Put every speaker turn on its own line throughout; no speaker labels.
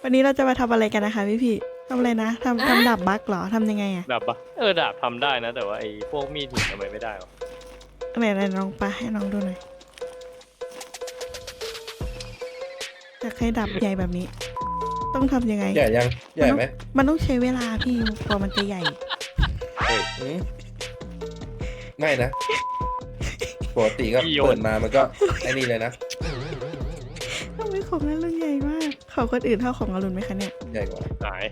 วันนี้เราจะมาทำอะไรกันนะคะพี่ทำอะไรนะทำดาบบั๊กเหรอทำยังไงอะ
ดาบปะดาบทำได้นะแต่ว่าไอ้พวกมีดหินทำไมไม่ได้วะ
อะไรลองปาให้น้องดูหน่อยอยากให้ดาบใหญ่แบบนี้ ต้องทำยังไง
ใหญ่ยังใหญ่ไหม
มันต้องใช้เวลาพี่กว่ามันจะใหญ่
หืมไม่นะปกติก็เปิดมามันก็ไอ้นี่เลยนะ
ทำไมของนั้นรุ่นใหญ่มากของคนอื่นเท่าของอรุณไหมคะเนี่ย
ใหญ่กว่า
หาย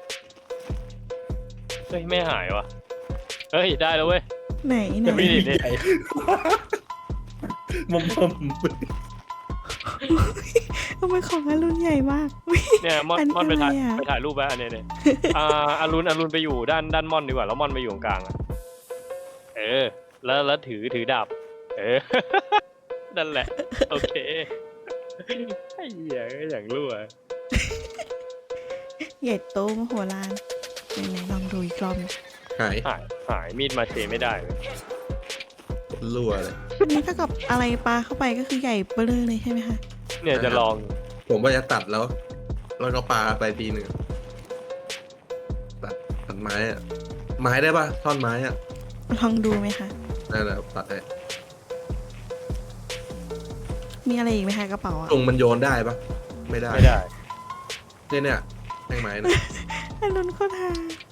เฮ้ยไม่หายวะเฮ้ยได้แล้วเว้ย
ไหน
จะมีดิ
ใหญ่มุม
ทำไมของอรุณใหญ่มาก
เนี่ยม่อน
อันนี้
ม่อนไปถ่าย
อะไรอะ
ไปถ่ายรูปไว้อันเนี้ยเนี่ยอรุณไปอยู่ด้านม่อนดีกว่าแล้วม่อนไปอยู่กลางอะแล้วถือดาบนั่นแหละโอเคไอ้เหี้ยอย่างรั่ว
ใหญ่โตมโหฬารไหนลองดูอีกรอบหนึ่ง
หาย
หายมีดมาเชไม่ได้เลย
รั่วเลย
อันนี้ถ้ากับอะไรปลาเข้าไปก็คือใหญ่เบ้อเลยใช่ไหมคะ
เนี่ยจะลอง
ผมว่าจะตัดแล้วก็ปาไปทีหนึ่งตัดไม้อะไม้ได้ปะท่อนไม้อะ
ลองดูไหมคะ
นั่นแหละตัดได้
มีอะไรอีกไหมคะกระเป๋าอะ
ตรงมันโยนได้ปะไม่ได้
ไม่ได้
เนี่ยแท่งไม้นะ
อรุณโคตรฮา